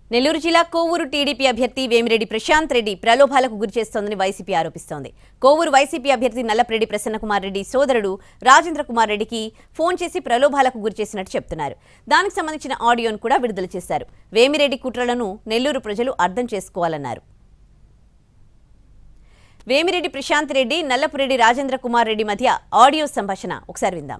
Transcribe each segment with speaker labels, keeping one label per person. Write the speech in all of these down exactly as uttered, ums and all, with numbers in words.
Speaker 1: నెల్లూరు జిల్లా కోవూరు టీడీపీ అభ్యర్థి వేమిరెడ్డి ప్రశాంత్ రెడ్డి ప్రలోభాలకు గురిచేస్తోందని వైసీపీ ఆరోపిస్తోంది. కోవూరు వైసీపీ అభ్యర్థి నల్లప్రెడ్డి ప్రసన్నకుమార్ రెడ్డి సోదరుడు రాజేంద్ర కుమార్ రెడ్డికి ఫోన్ చేసి ప్రలోభాలకు గురిచేసినట్టు చెప్తున్నారు. దానికి సంబంధించిన ఆడియోను కూడా విడుదల చేశారు. వేమిరెడ్డి కుట్రలను నెల్లూరు ప్రజలు అర్థం చేసుకోవాలన్నారు. వేమిరెడ్డి ప్రశాంత్ రెడ్డి నల్లపురెడ్డి రాజేంద్ర కుమార్ రెడ్డి మధ్య ఆడియో సంభాషణ ఒకసారి విందాం.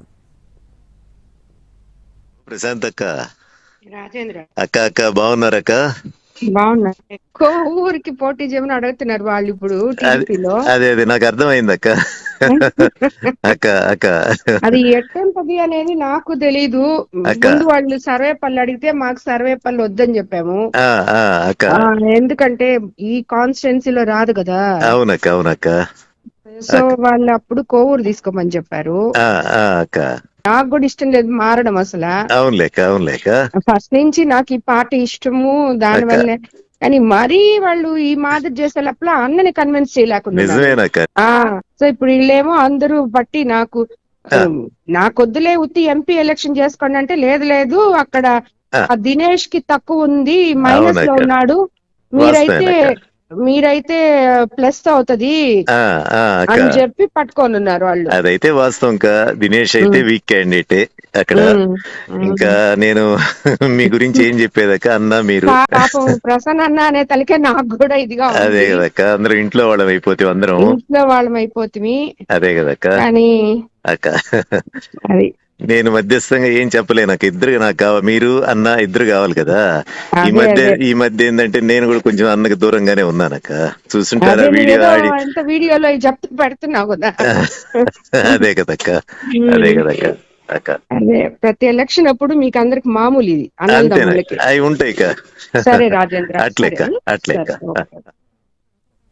Speaker 2: ప్రశాంత్ అక్క,
Speaker 3: రాజేంద్ర
Speaker 2: అక్క అక్క బాగున్నారక్క?
Speaker 3: బాగున్నా. ఎక్కువ ఊరికి పోటీ చేయమని అడుగుతున్నారు వాళ్ళు ఇప్పుడు టీడీపీలో.
Speaker 2: అదే అదే నాకు అర్థమైంది అక్క. అక్క అక్క
Speaker 3: అది ఎట్టంపది అనేది నాకు తెలీదు. ముందు వాళ్ళు సర్వేపల్లి అడిగితే మాకు సర్వేపల్లి వద్దని చెప్పాము.
Speaker 2: అక్క
Speaker 3: ఎందుకంటే ఈ కాన్స్టిట్యున్సీలో రాదు కదా.
Speaker 2: అవునక్క అవునక్క.
Speaker 3: సో వాళ్ళు అప్పుడు కోవూరు తీసుకోమని చెప్పారు.
Speaker 2: అక్క
Speaker 3: నాకు కూడా ఇష్టం లేదు మారడం అసలు.
Speaker 2: అవునులేక అవునులేక
Speaker 3: ఫస్ట్ నుంచి నాకు ఈ పార్టీ ఇష్టము, దాని వల్లే. కానీ మరీ వాళ్ళు ఈ మాదిరి చేసేటప్పుడు అన్నని కన్విన్స్ చేయలేకుండా. సో ఇప్పుడు వీళ్ళేమో అందరూ బట్టి నాకు నాకొద్దులే ఉత్తి ఎంపీ ఎలక్షన్ చేసుకోండి అంటే, లేదు లేదు అక్కడ దినేష్ కి తక్కువ ఉంది, మైనస్ లో ఉన్నాడు, మీరైతే మీరైతే ప్లస్ అవుతది అని చెప్పి పట్టుకొని ఉన్నారు వాళ్ళు.
Speaker 2: అదైతే వాస్తవం. దినేష్ అయితే వీక్ క్యాండిడేటే అక్కడ. ఇంకా నేను మీ గురించి ఏం చెప్పేదక్క, అన్న మీరు
Speaker 3: పాపం ప్రసన్న అన్న అనే తలకే నాకు కూడా ఇదిగా.
Speaker 2: అదే కదక్క, అందరం ఇంట్లో వాళ్ళం అయిపోతే, అందరం
Speaker 3: ఇంట్లో వాళ్ళం అయిపోతుంది.
Speaker 2: అదే కదక్క.
Speaker 3: కానీ
Speaker 2: అక్క
Speaker 3: అది
Speaker 2: నేను మధ్యస్థంగా ఏం చెప్పలే. నాకు ఇద్దరు నాకు కావాలి, మీరు అన్న ఇద్దరు కావాలి కదా. ఈ మధ్య ఈ మధ్య ఏంటంటే నేను కూడా కొంచెం అన్నకు దూరంగానే ఉన్నానక్క. చూస్తుంటారా వీడియో ఆడి
Speaker 3: వీడియోలో చెప్తూ పెడుతున్నావు కదా.
Speaker 2: అదే కదక్క అదే కదక్క అక్క.
Speaker 3: అదే ప్రతి ఎలక్షన్ అప్పుడు మీకు అందరికి మామూలు ఇది.
Speaker 2: అవి ఉంటాయి.
Speaker 3: సరే రాజేంద్ర,
Speaker 2: అట్లేక అట్లేక.